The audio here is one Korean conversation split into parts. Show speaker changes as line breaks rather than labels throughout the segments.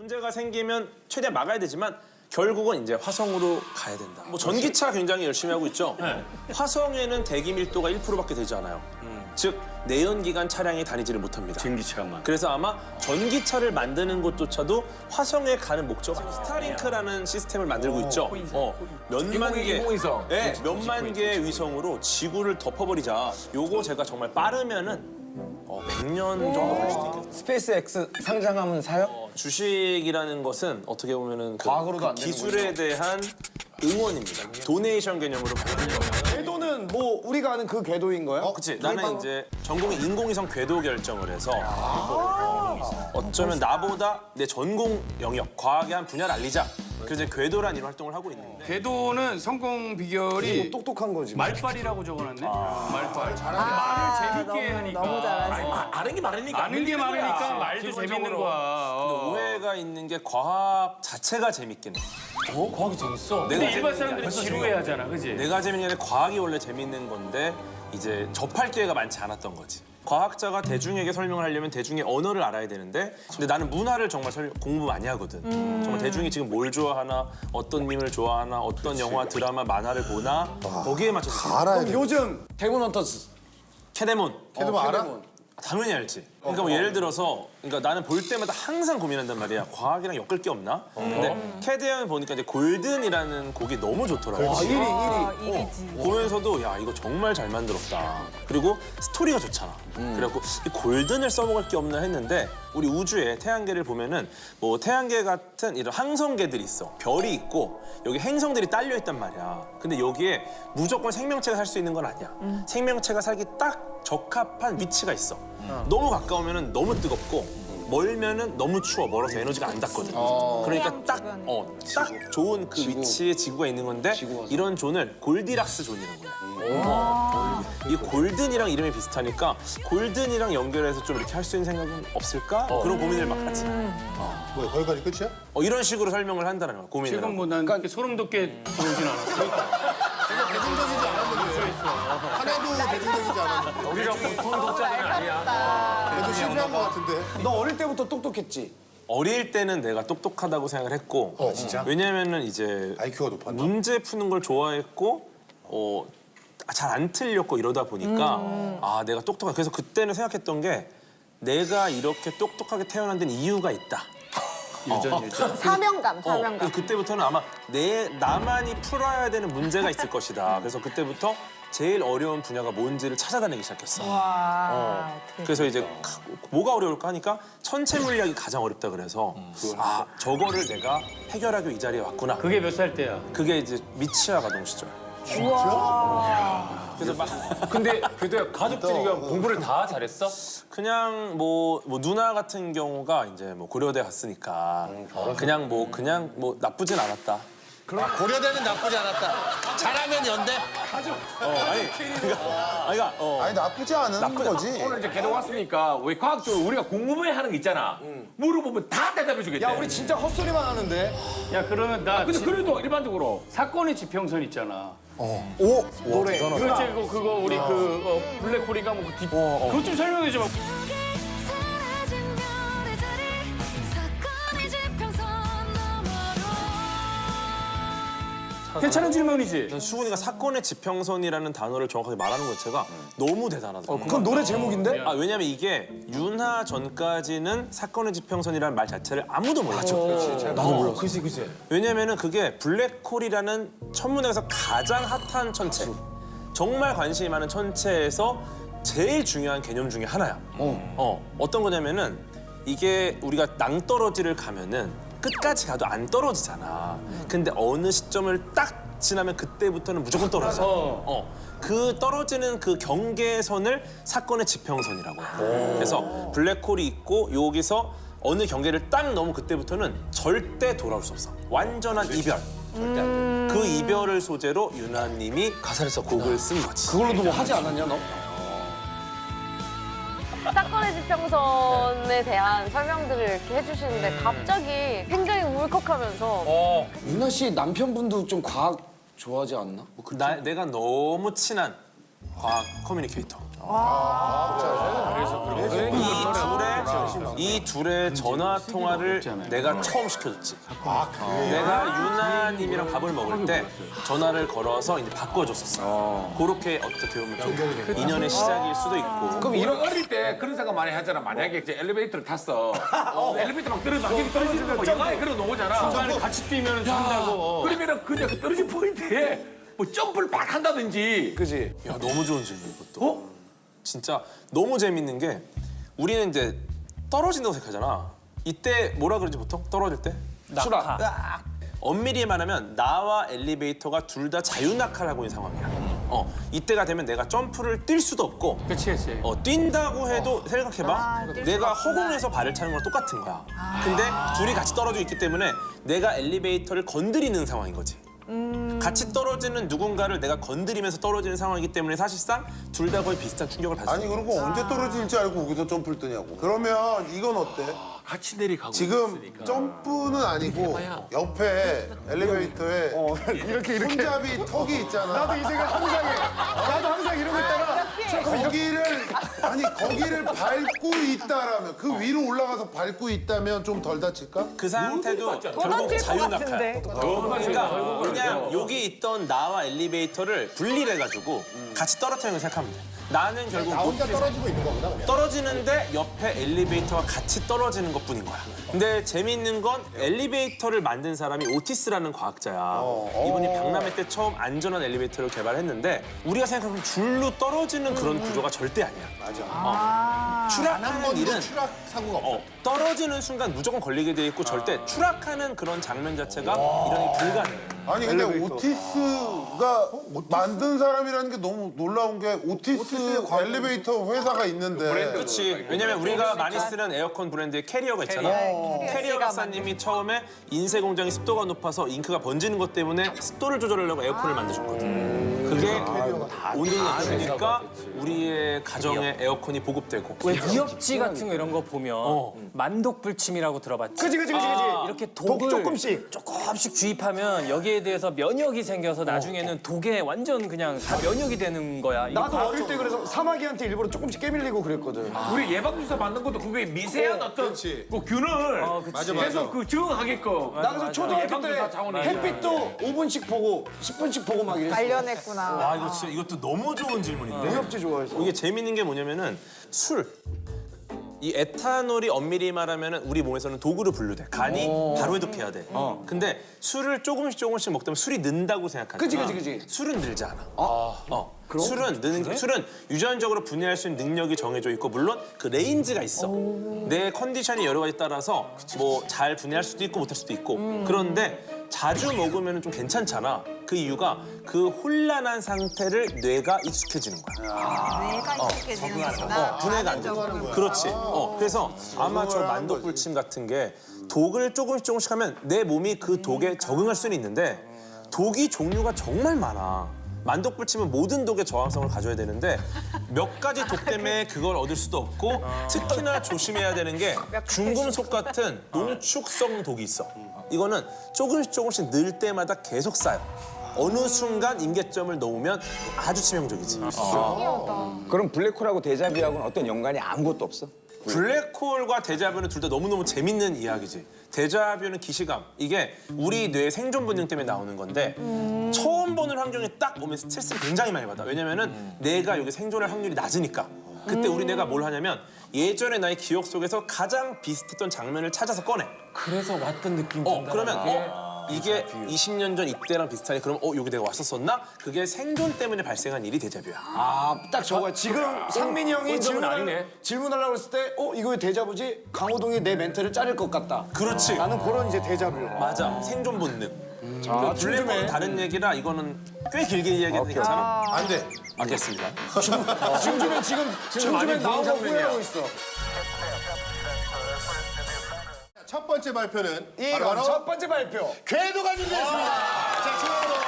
문제가 생기면 최대한 막아야 되지만 결국은 이제 화성으로 가야 된다. 뭐 전기차 굉장히 열심히 하고 있죠. 화성에는 대기 밀도가 1%밖에 되지 않아요. 즉 내연기관 차량이 다니지를 못합니다.
전기차만.
그래서 아마 전기차를 만드는 것조차도 화성에 가는 목적 아니에요. 스타링크라는 시스템을 만들고 있죠. 몇만 개,
인공위성.
네, 몇만 개의 위성으로 지구를 덮어버리자. 요거 제가 정말 빠르면은 100년 정도 갈 수도 있겠다.
스페이스 X 상장하면 사요?
주식이라는 것은 어떻게 보면은 그
과학으로도 안 되는
기술에 대한 응원입니다. 도네이션 개념으로 받는 거예요.
궤도는 뭐 우리가 아는 그 궤도인 거야?
그치. 나는 이제 전공이 인공위성 궤도 결정을 해서 어쩌면 나보다 내 전공 영역, 과학의 한 분야를 알리자. 그래서 이제 궤도란 이런 활동을 하고 있는데
궤도는 성공 비결이
똑똑한 거지.
말빨이라고 적어놨네. 말빨. 말을 재밌게 하니까.
너무 잘하시네.
아는 게 많으니까.
아는 게 많으니까 말도
기본적으로.
재밌는 거야.
오해가 있는 게 과학 자체가 재밌긴 해.
과학이 재밌어.
근데 일반 사람들은 지루해하잖아, 그지?
내가 재밌는 게 아니라 과학이 원래 재밌는 건데 이제 접할 기회가 많지 않았던 거지. 과학자가 대중에게 설명을 하려면 대중의 언어를 알아야 되는데 근데 나는 문화를 정말 공부 많이 하거든. 정말 대중이 지금 뭘 좋아하나, 어떤 님을 좋아하나, 어떤 영화, 드라마, 만화를 보나 거기에 맞춰서
그럼 요즘
데몬 헌터스.
캐데몬
알아?
당연히 알지. 그러니까 뭐 예를 들어서 그러니까 나는 볼 때마다 항상 고민한단 말이야. 과학이랑 엮을 게 없나? 근데 캐드 형을 보니까 이제 골든이라는 곡이 너무 좋더라고. 보면서도 야 이거 정말 잘 만들었다. 그리고 스토리가 좋잖아. 그래갖고 이 골든을 써먹을 게 없나 했는데 우리 우주에 태양계를 보면은 뭐 태양계 같은 이런 항성계들이 있어. 별이 있고 여기 행성들이 딸려 있단 말이야. 근데 여기에 무조건 생명체가 살 수 있는 건 아니야. 생명체가 살기 딱 적합한 위치가 있어. 너무 가까우면은 너무 뜨겁고 멀면은 너무 추워. 멀어서 에너지가 안 닿거든. 그러니까 딱 좋은 그 위치에 지구가 있는 건데 이런 존을 골디락스 존이라고 해요. 이 골든이랑 이름이 비슷하니까 골든이랑 연결해서 좀 이렇게 할 수 있는 생각은 없을까? 그런 고민을 막 하지.
뭐야, 거기까지 끝이야?
이런 식으로 설명을 한다는 거야, 고민을.
지금 뭐 난 그렇게 소름 돋게 들어오진 않았어.
대중적이지 않았는데. 하나도 대중적이지 않았는데.
우리가 보통 독자는 아니야.
그래도 실패한 것 같은데.
너 어릴 때부터 똑똑했지?
어릴 때는 내가 똑똑하다고 생각을 했고
진짜?
왜냐면은 이제
IQ가 높았나?
문제 푸는 걸 좋아했고 잘 안 틀렸고 이러다 보니까 아 내가 똑똑하다. 그래서 그때는 생각했던 게 내가 이렇게 똑똑하게 태어난 데는 이유가 있다.
사명감.
그래서 그때부터는 아마 나만이 풀어야 되는 문제가 있을 것이다. 그래서 그때부터 제일 어려운 분야가 뭔지를 찾아다니기 시작했어.
와.
그래서 이제 뭐가 어려울까 하니까 천체 물리학이 가장 어렵다 그래서 아 저거를 내가 해결하기 이 자리에 왔구나.
그게 몇 살 때야?
그게 이제 미치아 가동 시절. 그래서 막
근데 궤도야 가족들이 공부를 다 잘했어?
그냥 뭐 누나 같은 경우가 이제 뭐 고려대 갔으니까 그냥 뭐 나쁘진 않았다.
고려대는 나쁘지 않았다. 잘하면 연대.
아니
나쁘지 않은 거지.
오늘 이제 궤도 왔으니까 왜 과학적으로 우리가 궁금해 하는 게 있잖아. 물어보면 다 대답해 주겠대.
야 우리 진짜 헛소리만 하는데.
야, 그러면 나
근데 그래도 일반적으로
사건의 지평선 있잖아.
노래.
그렇지, 그거 우리 블랙홀인가 뭐 그것 좀 설명해 줘봐.
사라진 별의 자리 사건의 지평선 너머로
괜찮은 질문이지?
수근이가 사건의 지평선이라는 단어를 정확하게 말하는 것 자체가 너무 대단하더라고.
그건 노래 제목인데?
왜냐면 이게 윤하 전까지는 사건의 지평선이라는 말 자체를 아무도 몰랐죠.
나도 몰라. 그치.
왜냐면은 그게 블랙홀이라는 천문학에서 가장 핫한 천체. 정말 관심이 많은 천체에서 제일 중요한 개념 중에 하나야. 어떤 거냐면은 이게 우리가 낭떠러지를 가면은 끝까지 가도 안 떨어지잖아. 근데 어느 시점을 딱 지나면 그때부터는 무조건 떨어져. 그 떨어지는 그 경계선을 사건의 지평선이라고 해. 그래서 블랙홀이 있고 여기서 어느 경계를 딱 넘으면 그때부터는 절대 돌아올 수 없어. 완전한 이별. 절대 안 돼. 그 이별을 소재로 윤하님이 가사를 써 곡을 쓴 거지.
그걸로도 뭐 하지 않았냐 너?
사건의 지평선에 대한 설명들을 이렇게 해주시는데 갑자기 굉장히 울컥하면서
유나 씨 남편분도 좀 과학 좋아하지 않나?
내가 너무 친한 과학 커뮤니케이터. 이 둘의 전화 통화를 내가 처음 시켜줬지. 내가 유나님이랑 밥을 먹을 때 전화를 걸어서 이제 바꿔줬었어. 그렇게 어떻게 보면 좀 인연의 시작일 수도 있고.
그럼 이런 어릴 때 그런 생각 많이 하잖아. 만약에 이제 엘리베이터를 탔어. 엘리베이터 막 떨어지는 거 영화에 그런 거 오잖아.
중간에 같이 뛰면 산다고.
그러면은 그냥 그 떨어진 포인트에 뭐 점프를 막 한다든지.
그지?
야, 너무 좋은 질문 이것도. 진짜 너무 재밌는 게 우리는 이제 떨어진다고 생각하잖아. 이때 뭐라 그러지 보통? 떨어질 때?
추락.
엄밀히 말하면 나와 엘리베이터가 둘 다 자유낙하를 하고 있는 상황이야. 이때가 되면 내가 점프를 뛸 수도 없고
그치.
뛴다고 해도 생각해봐. 내가 허공에서 발을 차는 거랑 똑같은 거야. 근데 둘이 같이 떨어져 있기 때문에 내가 엘리베이터를 건드리는 상황인 거지. 같이 떨어지는 누군가를 내가 건드리면서 떨어지는 상황이기 때문에 사실상 둘 다 거의 비슷한 충격을 받을 수
아니
있는
그리고 언제 떨어질지 알고 거기서 점프를 뜨냐고. 그러면 이건 어때?
같이 내려가고.
지금 점프는 아니고 옆에 엘리베이터에
이렇게
손잡이 턱이 있잖아.
나도 이 생각 항상 해. 나도 항상 이러고 있다가
거기를 밟고 있다라면 그 위로 올라가서 밟고 있다면 좀 덜 다칠까?
그 상태도 결국 자유낙하야. 그러니까 그냥 여기 있던 나와 엘리베이터를 분리해가지고 같이 떨어뜨리는 걸 생각하면 돼. 나는 결국
나 혼자 떨어지고 있는 거구나 그냥.
떨어지는데 옆에 엘리베이터와 같이 떨어지는 것뿐인 거야. 근데 재미있는 건 엘리베이터를 만든 사람이 오티스라는 과학자야. 이분이 박람회 때 처음 안전한 엘리베이터를 개발했는데 우리가 생각하는 줄로 떨어지는 그런 구조가 절대 아니야.
한
추락하는
번도
일은
추락 사고가 없어.
떨어지는 순간 무조건 걸리게 돼 있고 절대 추락하는 그런 장면 자체가 일어나기 불가능해.
아니 근데 오티스가 만든 사람이라는 게 너무 놀라운 게 오티스 엘리베이터 회사가 있는데
그렇지. 왜냐면 우리가 많이 쓰는 에어컨 브랜드의 캐리어가 있잖아. 캐리어 박사님이 처음에 인쇄 공장이 습도가 높아서 잉크가 번지는 것 때문에 습도를 조절하려고 에어컨을 만드셨거든. 그게 온도를 낮추니까 우리의 가정에 에어컨이 보급되고.
왜 미역지 같은 거 이런 거 보면 만독불침이라고 들어봤지?
그지.
이렇게 독을 조금씩 주입하면 여기에 대해서 면역이 생겨서 나중에는 독에 완전 그냥 다 면역이 되는 거야. 이게
나도 어릴 때 그래서 사마귀한테 일부러 조금씩 깨밀리고 그랬거든.
우리 예방주사 맞는 것도 그게 미세한 어떤 그 균을 계속 그 적응하게끔.
나 그래서 초등학교
예방주사
때
차원에서.
햇빛도 5분씩 보고 10분씩 보고 막 이랬어.
관련했구나.
와 이거 진짜 이것도 너무 좋은 질문인데.
무협지 좋아해서.
이게 재밌는 게 뭐냐면은 술. 이 에탄올이 엄밀히 말하면 우리 몸에서는 독으로 분류돼. 간이 바로 해독해야 돼. 근데 술을 조금씩 먹다 보면 술이 는다고 생각하잖아.
그지.
술은 늘지 않아. 술은 술은 유전적으로 분해할 수 있는 능력이 정해져 있고 물론 그 레인지가 있어. 내 컨디션이 여러 가지 따라서 뭐 잘 분해할 수도 있고 못할 수도 있고. 그런데 자주 먹으면 좀 괜찮잖아. 그 이유가 그 혼란한 상태를 뇌가 익숙해지는 거야.
내가 익숙해지는 거구나.
분해가 안 되고. 그렇지. 그래서 아마 저 만독불침 같은 게 독을 조금씩 하면 내 몸이 그 독에 적응할 수는 있는데 독이 종류가 정말 많아. 만독불침은 모든 독에 저항성을 가져야 되는데 몇 가지 독 때문에 그걸 얻을 수도 없고 특히나 조심해야 되는 게 중금속 같은 농축성 독이 있어. 이거는 조금씩 늘 때마다 계속 쌓여. 어느 순간 임계점을 넘으면 아주 치명적이지.
그럼 블랙홀하고 데자뷰하고는 어떤 연관이 아무것도 없어?
블랙홀과 데자뷰는 둘 다 너무너무 재밌는 이야기지. 데자뷰는 기시감. 이게 우리 뇌의 생존 본능 때문에 나오는 건데 처음 보는 환경에 딱 오면 스트레스를 굉장히 많이 받아. 왜냐면은 내가 여기 생존할 확률이 낮으니까. 그때 우리 뇌가 뭘 하냐면 예전의 나의 기억 속에서 가장 비슷했던 장면을 찾아서 꺼내.
그래서 왔던 느낌.
그러면 이게 20년 전 이때랑 비슷하니 그럼 여기 내가 왔었었나? 그게 생존 때문에 발생한 일이 데자뷰야.
딱 저거야. 지금 상민이 형이 질문하려고 했을 때 이거 왜 데자부지? 강호동이 내 멘트를 자를 것 같다.
그렇지.
나는 그런 이제 데자뷰.
맞아. 생존 본능. 블랙홀은 다른 얘기라 이거는 꽤 길게 이야기해도 괜찮아?
안 돼.
알겠습니다.
지금 나온 거 후회하고 있어.
첫 번째 발표는
이거 첫 번째 발표.
궤도가 준비했습니다. 자,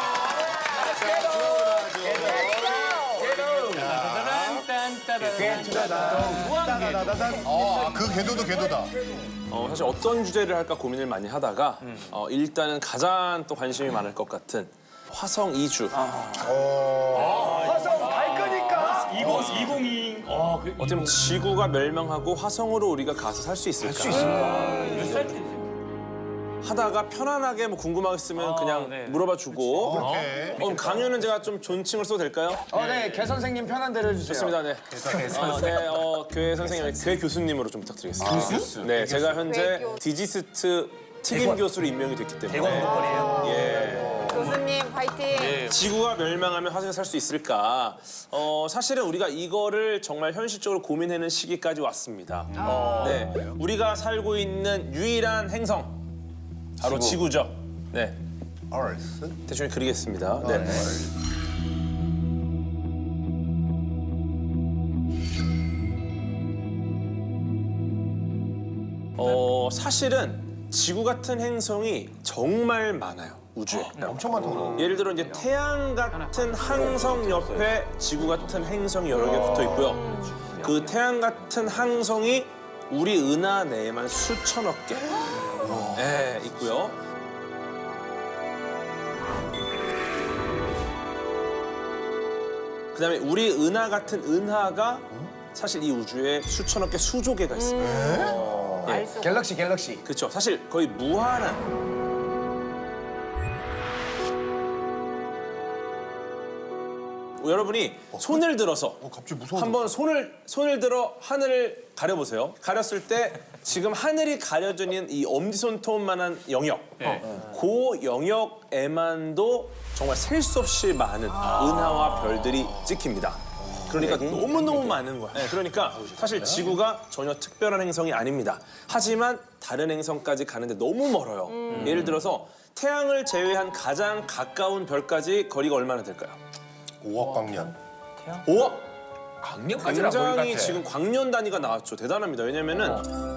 그 궤도도 궤도다.
사실 어떤 주제를 할까 고민을 많이 하다가 일단은 가장 또 관심이 많을 것 같은 화성 이주.
화성 갈 거니까.
2020
어떻게 보면 지구가 멸망하고 화성으로 우리가 가서 살 수 있을까? 하다가 편안하게 뭐 궁금하겠으면 그냥
네.
물어봐주고. 그럼 강연은 제가 좀 존칭을 써도 될까요?
네, 개 선생님 편한 대로 해주세요.
좋습니다. 네. 교회 선생님, 교회 교수님으로 좀 부탁드리겠습니다. 교수? 네, 제가 현재
교수.
디지스트 특임 교수로 임명이 됐기 때문에.
교수님 화이팅.
지구가 멸망하면 화성에 살 수 있을까? 사실은 우리가 이거를 정말 현실적으로 고민하는 시기까지 왔습니다. 네, 우리가 살고 있는 유일한 행성 바로 지구죠. 네, 대충 그리겠습니다. 네. 사실은 지구 같은 행성이 정말 많아요. 우주에.
엄청 많다고.
예를 들어 이제 태양 같은 항성 옆에 지구 같은 행성이 여러 개 붙어 있고요. 그 태양 같은 항성이 우리 은하 내에만 수천억 개 네, 있고요. 그다음에 우리 은하 같은 은하가 사실 이 우주에 수천억 개, 수조 개가 있습니다.
갤럭시.
그렇죠. 사실 거의 무한한. 여러분이 손을 들어서
갑자기 무서워.
한번 손을 들어 하늘을 가려보세요. 가렸을 때 지금 하늘이 가려져 있는 이 엄지손톱만한 영역, 그 영역에만도 정말 셀 수 없이 많은 은하와 별들이 찍힙니다. 그러니까 너무너무 많은 거야. 네, 그러니까 사실 지구가 전혀 특별한 행성이 아닙니다. 하지만 다른 행성까지 가는데 너무 멀어요. 예를 들어서 태양을 제외한 가장 가까운 별까지 거리가 얼마나 될까요?
5억 광년.
5억!
강력하지라 거기
굉장히
같아.
지금 광년 단위가 나왔죠. 대단합니다. 왜냐면은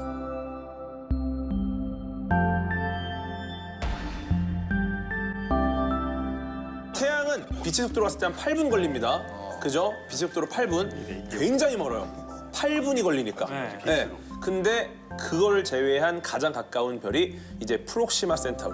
태양은 빛의 속도로 갔을 때 한 8분 걸립니다. 그죠? 빛의 속도로 8분. 굉장히 멀어요. 8분이 걸리니까. 네. 근데 그걸 제외한 가장 가까운 별이 이제 프록시마 센타우리.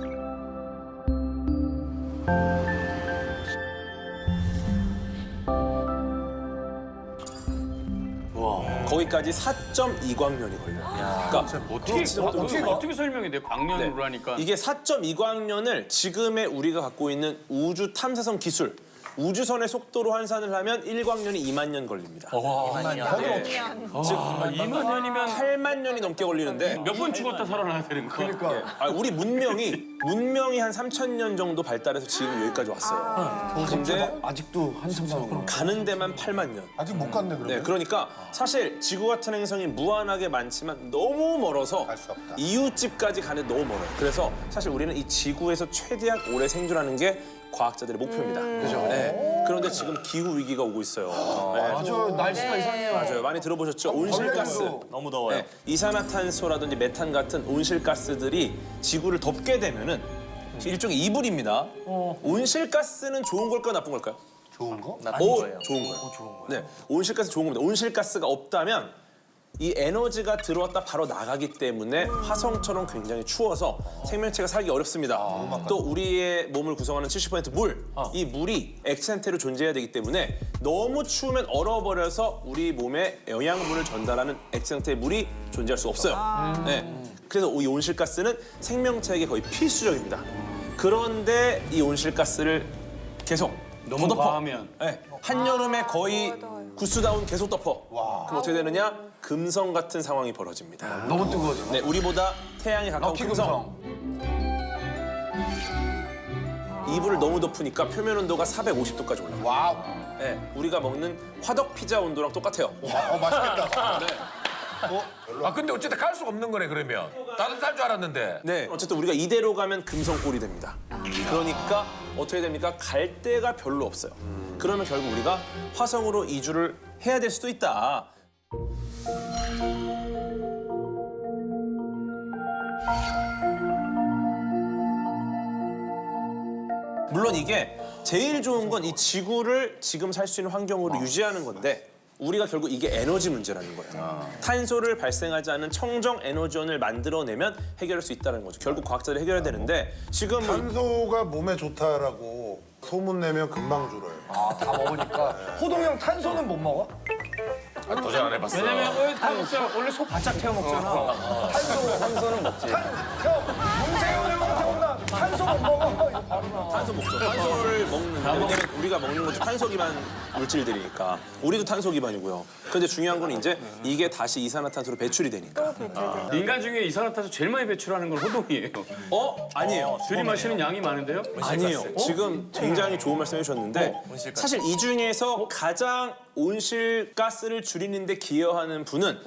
거기까지 4.2광년이 걸려요. 그러니까
어떻게 설명이 돼? 광년으로 하니까.
이게 4.2광년을 지금의 우리가 갖고 있는 우주 탐사선 기술, 우주선의 속도로 환산을 하면 1광년이 2만 년 걸립니다.
2만 년이면
8만 년이 넘게 걸리는데
몇 번 죽었다 살아나야 되는 거야?
우리 문명이 한 3,000년 정도 발달해서 지금 여기까지 왔어요. 근데
아직도 한참 남았구나.
가는 데만 8만 년.
아직 못 갔네 그러면.
네, 그러니까 사실 지구 같은 행성이 무한하게 많지만 너무 멀어서
갈수 없다.
이웃집까지 가는 데 너무 멀어요. 그래서 사실 우리는 이 지구에서 최대한 오래 생존하는 게 과학자들의 목표입니다. 그죠? 네. 그런데 지금 기후 위기가 오고 있어요. 네.
아주 날씨가 이상해요.
맞아요. 많이 들어보셨죠? 온실가스.
너무 더워요.
네. 이산화탄소라든지 메탄 같은 온실가스들이 지구를 덮게 되면은 일종의 이불입니다. 온실가스는 좋은 걸까요, 나쁜 걸까요?
좋은 거?
좋은 거예요. 네, 온실가스 좋은 겁니다. 온실가스가 없다면 이 에너지가 들어왔다 바로 나가기 때문에 화성처럼 굉장히 추워서 생명체가 살기 어렵습니다. 또 우리의 몸을 구성하는 70% 물, 이 물이 액체 상태로 존재해야 되기 때문에 너무 추우면 얼어버려서 우리 몸에 영양분을 전달하는 액체 상태의 물이 존재할 수 없어요. 네, 그래서 이 온실가스는 생명체에게 거의 필수적입니다. 그런데 이 온실가스를 계속
너무
더 덮어.
과하면.
네, 한여름에 거의 구스다운 계속 덮어. 그럼 어떻게 되느냐? 금성 같은 상황이 벌어집니다.
너무 뜨거워져.
네, 우리보다 태양에 가까운
럭키
금성. 이불을 너무 덮으니까 표면 온도가 450도까지 올라가요.
와우.
네, 우리가 먹는 화덕 피자 온도랑 똑같아요.
맛있겠다.
아 근데 어쨌든 갈 수가 없는 거네 그러면. 따뜻할 줄 알았는데.
네, 어쨌든 우리가 이대로 가면 금성골이 됩니다. 그러니까 어떻게 됩니까? 갈 데가 별로 없어요. 그러면 결국 우리가 화성으로 이주를 해야 될 수도 있다. 물론 이게 제일 좋은 건 이 지구를 지금 살 수 있는 환경으로 유지하는 건데 우리가 결국 이게 에너지 문제라는 거예요. 탄소를 발생하지 않는 청정 에너지원을 만들어내면 해결할 수 있다는 거죠. 결국 과학자들이 해결해야 되는데 지금
탄소가 몸에 좋다라고 소문 내면 금방 줄어요.
다 먹으니까. 호동이 형 탄소는 못 먹어?
도전 안 해봤어.
왜냐면 다 먹잖아. 원래 소 바짝 태워 먹잖아.
탄소는 먹지.
문세윤 형한테 온다. 탄소 못 먹어. 이거 바로 나.
탄소 먹죠. 탄소를 먹는데 왜냐면 우리가 먹는 것도 탄소 기반 물질들이니까 우리도 탄소 기반이고요. 근데 중요한 건 이제 이게 다시 이산화탄소로 배출이 되니까.
인간 중에 이산화탄소 제일 많이 배출하는 건 호동이에요.
아니에요.
들이마시는 양이 많은데요?
아니에요. 지금 굉장히 좋은 말씀 해주셨는데 사실 이 중에서 가장 온실가스를 줄이는 데 기여하는 분은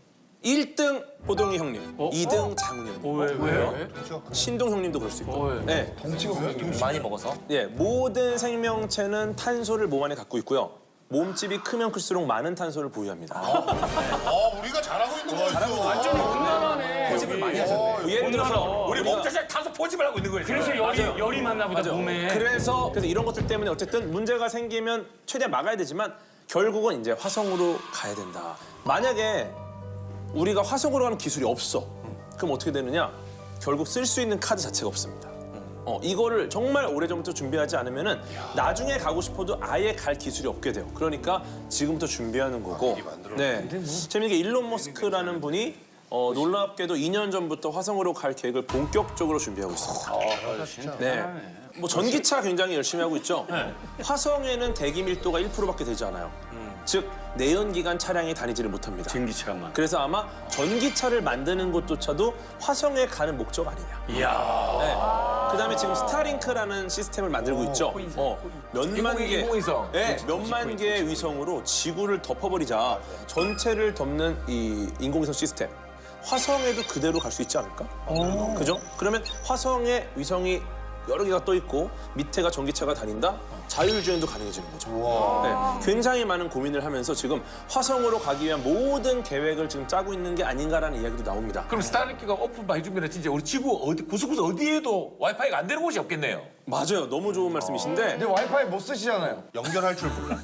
1등 호동이 형님, 2등 장훈.
왜요?
신동 형님도 그럴 수 있고. 네.
많이 먹어서.
예, 모든 생명체는 탄소를 몸 안에 갖고 있고요. 몸집이 크면 클수록 많은 탄소를 보유합니다.
우리가 잘하고 있는 거야.
완전히 온난화네.
고집을 많이 하셨네.
예를 들어서
우리 몸 자체 탄소 포집을 하고 있는 거예요.
그래서 열이 많나 보다 몸에.
그래서 이런 것들 때문에 어쨌든 문제가 생기면 최대한 막아야 되지만 결국은 이제 화성으로 가야 된다. 만약에 우리가 화성으로 가는 기술이 없어. 그럼 어떻게 되느냐? 결국 쓸 수 있는 카드 자체가 없습니다. 이거를 정말 오래전부터 준비하지 않으면은 나중에 가고 싶어도 아예 갈 기술이 없게 돼요. 그러니까 지금부터 준비하는 거고. 네. 재밌는 게 일론 머스크라는 분이 놀랍게도 2년 전부터 화성으로 갈 계획을 본격적으로 준비하고 있습니다. 네. 뭐 전기차 굉장히 열심히 하고 있죠. 화성에는 대기 밀도가 1%밖에 되지 않아요. 즉 내연기관 차량이 다니지를 못합니다.
전기차만.
그래서 아마 전기차를 만드는 것조차도 화성에 가는 목적 아니냐.
이야.
네. 그다음에 지금 스타링크라는 시스템을 만들고 있죠. 몇만 개,
인공위성.
네, 몇만 개의 위성으로 지구를 덮어버리자 전체를 덮는 이 인공위성 시스템. 화성에도 그대로 갈 수 있지 않을까? 그죠? 그러면 화성에 위성이 여러 개가 떠 있고 밑에가 전기차가 다닌다? 자율주행도 가능해지는 거죠. 네, 굉장히 많은 고민을 하면서 지금 화성으로 가기 위한 모든 계획을 지금 짜고 있는 게 아닌가라는 이야기도 나옵니다.
그럼 스타링크가 오픈만 해주면 진짜 우리 지구 어디 구석구석 어디에도 와이파이가 안 되는 곳이 없겠네요.
맞아요. 너무 좋은 말씀이신데
근데 와이파이 못 쓰시잖아요.
연결할 줄 몰라.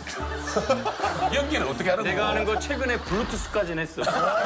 연기는 어떻게 하는
내가
거야?
아는 거 최근에 블루투스까지는 했어.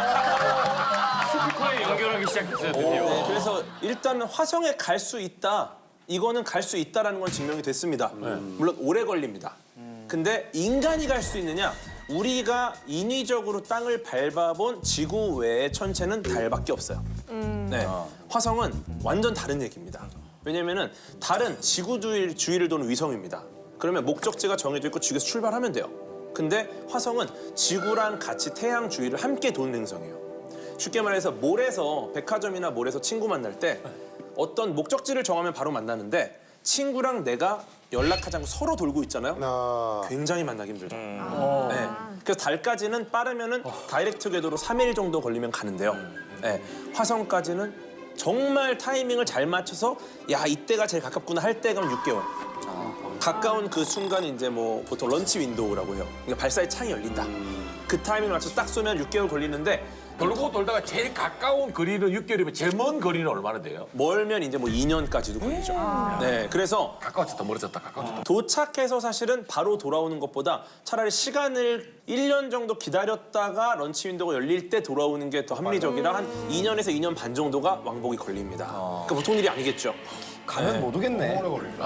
스피커에 연결하기 시작했어요 드디어.
네, 그래서 일단 화성에 갈 수 있다. 이거는 갈 수 있다라는 건 증명이 됐습니다. 물론 오래 걸립니다. 근데 인간이 갈 수 있느냐? 우리가 인위적으로 땅을 밟아본 지구 외의 천체는 달밖에 없어요. 네, 화성은 완전 다른 얘기입니다. 왜냐면은 달은 지구 주위를 도는 위성입니다. 그러면 목적지가 정해져 있고 지구에서 출발하면 돼요. 근데 화성은 지구랑 같이 태양 주위를 함께 도는 행성이에요. 쉽게 말해서 몰에서 백화점이나 몰에서 친구 만날 때 어떤 목적지를 정하면 바로 만나는데 친구랑 내가 연락하지 않고 서로 돌고 있잖아요. 굉장히 만나기 힘들죠. 네. 그래서 달까지는 빠르면은 다이렉트 궤도로 3일 정도 걸리면 가는데요. 네. 화성까지는 정말 타이밍을 잘 맞춰서 야 이때가 제일 가깝구나 할 때가 6개월. 가까운 그 순간이 이제 뭐 보통 런치 윈도우라고 해요. 그러니까 발사의 창이 열린다. 그 타이밍을 맞춰서 딱 쏘면 6개월 걸리는데
돌고 돌다가 제일 가까운 거리는 6개월이면 제일 먼 거리는 얼마나 돼요?
멀면 이제 뭐 2년까지도 걸리죠. 네, 그래서
가까워졌다 멀어졌다 가까워졌다.
도착해서 사실은 바로 돌아오는 것보다 차라리 시간을 1년 정도 기다렸다가 런치 윈도우가 열릴 때 돌아오는 게 더 합리적이라 한 2년에서 2년 반 정도가 왕복이 걸립니다. 그러니까 보통 일이 아니겠죠.
가면 못 오겠네.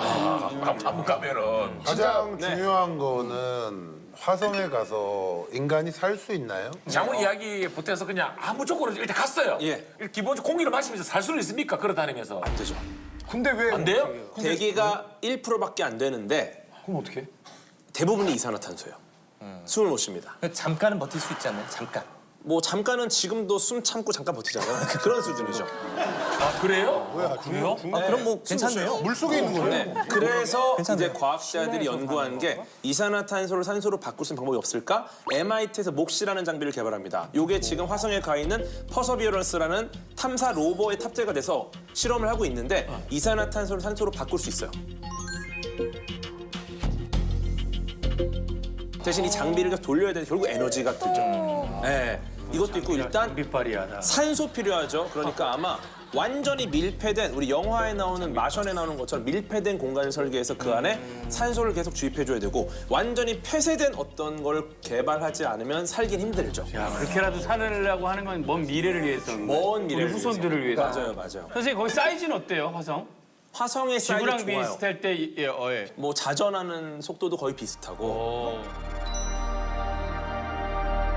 한번 가면은
가장 중요한 거는 화성에 가서 인간이 살 수 있나요?
장훈 이야기 보태서 그냥 아무 조건으로 일단 갔어요.
예.
기본적으로 공기를 마시면서 살 수는 있습니까? 걸어다니면서.
안 되죠.
근데 왜?
안 돼요?
대기가 1%밖에 안 되는데
그럼 어떻게?
대부분이 이산화탄소예요. 숨을 못 쉽니다.
잠깐은 버틸 수 있잖아요. 잠깐.
뭐 잠깐은 지금도 숨 참고 잠깐 버티잖아요. 그런 수준이죠.
아 그래요?
그래요? 그럼 뭐 괜찮네요.
물속에 있는 거예요?
네. 그래서 이제 과학자들이 연구한 게 이산화탄소를 산소로 바꿀 수 있는 방법이 없을까? MIT에서 몫이라는 장비를 개발합니다. 이게 지금 화성에 가 있는 퍼서비어런스라는 탐사 로버에 탑재가 돼서 실험을 하고 있는데 이산화탄소를 산소로 바꿀 수 있어요. 대신 이 장비를 계속 돌려야 되는데 결국 에너지가 들죠. 네. 이것도 있고 일단
빛발이야.
산소 필요하죠. 그러니까 아마 완전히 밀폐된 우리 영화에 나오는 마션에 나오는 것처럼 밀폐된 공간을 설계해서 그 안에 산소를 계속 주입해줘야 되고 완전히 폐쇄된 어떤 걸 개발하지 않으면 살긴 힘들죠.
야 그렇게라도 살으려고 하는 건 먼 미래를 위해서.
먼 미래를
우리 후손들을 위해서.
맞아요.
선생님 거기 사이즈는 어때요 화성?
화성의 사이즈
지구랑
좋아요.
비슷할 때
뭐 자전하는 속도도 거의 비슷하고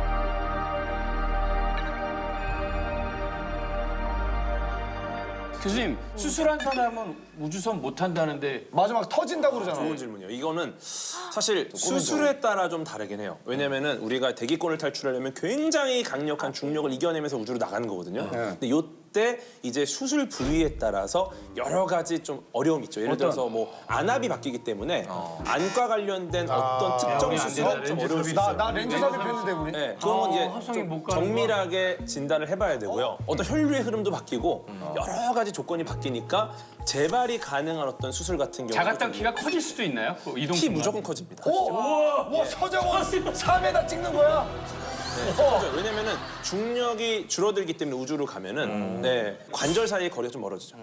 교수님 수술한 사람은 우주선 못 탄다는데
마지막 터진다고 그러잖아.
좋은 질문이에요. 이거는 사실 수술에 따라 좀 다르긴 해요. 왜냐면은 우리가 대기권을 탈출하려면 굉장히 강력한 중력을 이겨내면서 우주로 나가는 거거든요. 근데 요때 이제 수술 부위에 따라서 여러 가지 좀 어려움이 있죠. 예를 들어서 뭐 안압이 바뀌기 때문에 안과 관련된 어떤 특정 수술은 좀 어려울 수 있어요.
나 렌즈 삽입했는데 우리.
네, 그건 이제
화성이 못
좀
가는
정밀하게 진단을 해봐야 되고요. 어떤 혈류의 흐름도 바뀌고 여러 가지 조건이 바뀌니까 재발이 가능한 어떤 수술 같은 경우
자가당 키가 커질 수도 있나요? 그 이동
키
순간?
무조건 커집니다.
와 서정원 3m 찍는 거야?
그렇죠. 왜냐면은 중력이 줄어들기 때문에 우주로 가면은 네, 관절 사이의 거리가 좀 멀어지죠.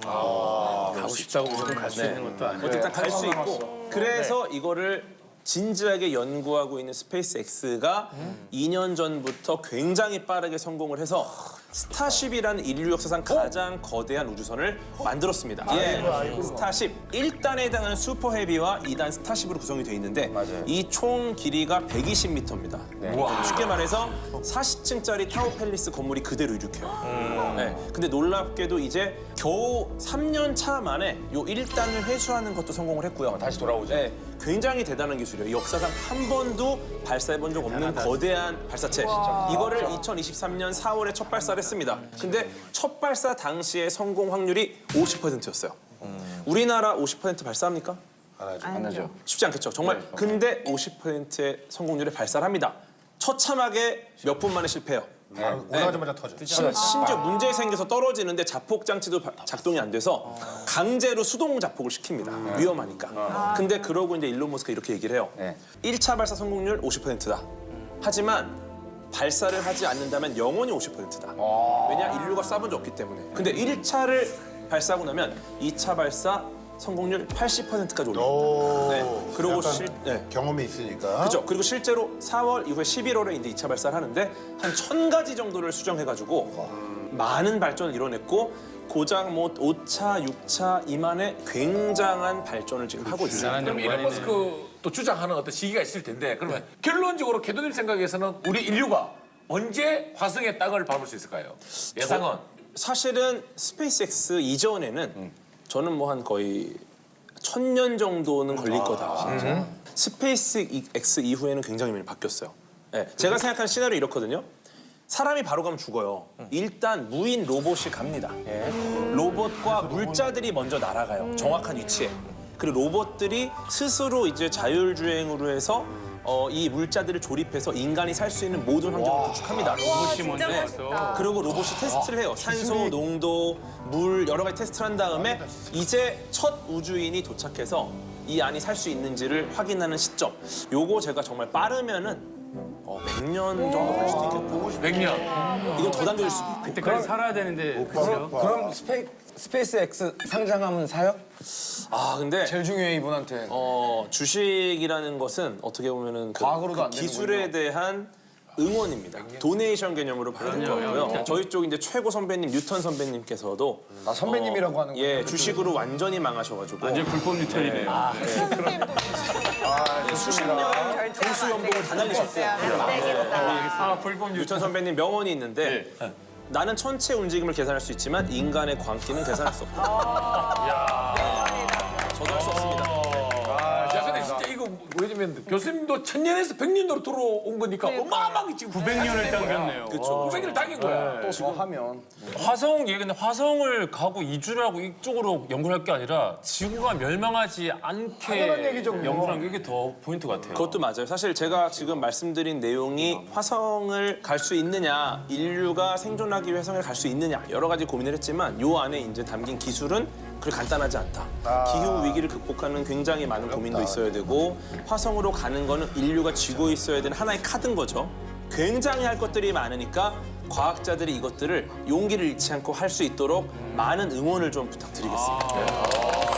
가고 싶다고 무조건 갈 수 있는 것도 아니고.
일단 갈 수 있고 그래서 이거를 진지하게 연구하고 있는 스페이스 X가 2년 전부터 굉장히 빠르게 성공을 해서 스타쉽이라는 인류 역사상 가장 거대한 우주선을 만들었습니다. 스타쉽 1단에 해당하는 슈퍼 헤비와 2단 스타쉽으로 구성이 되어 있는데 이 총 길이가 120m입니다. 쉽게 말해서 40층짜리 타워 팰리스 건물이 그대로 이륙해요. 네. 근데 놀랍게도 이제 겨우 3년 차 만에 요 1단을 회수하는 것도 성공을 했고요. 다시 돌아오죠. 네. 굉장히 대단한 기술이에요. 역사상 한 번도 발사해본 적 없는 거대한 발사체. 이거를 2023년 4월에 첫 발사를 했습니다. 근데 첫 발사 당시의 성공 확률이 50%였어요. 우리나라 50% 발사합니까?
안 하죠.
쉽지 않겠죠. 정말. 근데 50%의 성공률에 발사를 합니다. 처참하게 몇 분 만에 실패해요.
오자마자 터져.
심지어 문제 생겨서 떨어지는데 자폭 장치도 작동이 안 돼서 강제로 수동 자폭을 시킵니다. 위험하니까. 근데 그러고 이제 일론 머스크가 이렇게 얘기를 해요. 1차 발사 성공률 50%다. 하지만 발사를 하지 않는다면 영원히 50%다. 왜냐? 인류가 쏴본 적 없기 때문에. 근데 1차를 발사하고 나면 2차 발사 성공률 80%까지 올립니다. 네. 그리고
경험이 있으니까.
그렇죠. 그리고 실제로 4월 이후에 11월에 이제 2차 발사를 하는데 한 1000가지 정도를 수정해가지고 많은 발전을 이뤄냈고 고작 뭐 5차, 6차 이만의 굉장한 발전을 지금 하고 있습니다.
그럼 일론 머스크 또 주장하는 어떤 시기가 있을 텐데 그러면 결론적으로 캐도님 생각에서는 우리 인류가 언제 화성의 땅을 밟을 수 있을까요? 예상은?
사실은 스페이스 X 이전에는 저는 뭐 한 거의 1000년 정도는 걸릴 거다. 스페이스 X 이후에는 굉장히 많이 바뀌었어요. 네, 제가 생각하는 시나리오 이렇거든요. 사람이 바로 가면 죽어요. 일단 무인 로봇이 갑니다. 로봇과 물자들이 먼저 날아가요. 정확한 위치에. 그리고 로봇들이 스스로 이제 자율주행으로 해서 이 물자들을 조립해서 인간이 살 수 있는 모든 환경을 구축합니다.
진짜 멋있다.
그리고 로봇이 테스트를 해요. 산소, 농도, 물 여러 가지 테스트를 한 다음에 이제 첫 우주인이 도착해서 이 안이 살 수 있는지를 확인하는 시점. 요거 제가 정말 빠르면은 100년 정도 갈 수도 있겠다.
100년.
이건 더 당겨질 수도 있고.
그때까지 살아야 되는데 그죠?
그럼 스페이스 X 상장하면 사요?
근데
제일 중요해 이분한테.
주식이라는 것은 어떻게 보면은
과학으로도 안
기술에 대한 응원입니다. 도네이션 개념으로 받는 거고요. 저희 쪽 이제 최고 선배님 뉴턴 선배님께서도
나 선배님이라고 하는 거야.
주식으로 완전히 망하셔가지고
완전 불법 뉴턴이네요.
수십 년 교수 연봉을 다 날리셨어요.
불법
뉴턴 선배님 명언이 있는데 나는 천체 움직임을 계산할 수 있지만 인간의 광기는 계산할 수 없다. 저도 할 수 없습니다.
야, 근데 진짜 이거 왜냐면 교수님도 1000년에서 100년으로 들어온 거니까 어마어마하게 지금
900년을 당겼네요.
그렇죠.
900년을 당긴 거야.
또 더 하면.
화성 얘기인데 화성을 가고 이주를 하고 이쪽으로 연구를 할 게 아니라 지구가 멸망하지 않게
당연한 얘기죠, 그거.
연구하는 게 이게 더 포인트 같아요.
그것도 맞아요. 사실 제가 지금 말씀드린 내용이 화성을 갈 수 있느냐, 인류가 생존하기 위해 화성을 갈 수 있느냐 여러 가지 고민을 했지만 요 안에 이제 담긴 기술은 그렇게 간단하지 않다. 기후 위기를 극복하는 굉장히 많은 고민도 있어야 되고 화성으로 가는 거는 인류가 쥐고 있어야 되는 하나의 카드인 거죠. 굉장히 할 것들이 많으니까 과학자들이 이것들을 용기를 잃지 않고 할 수 있도록 많은 응원을 좀 부탁드리겠습니다.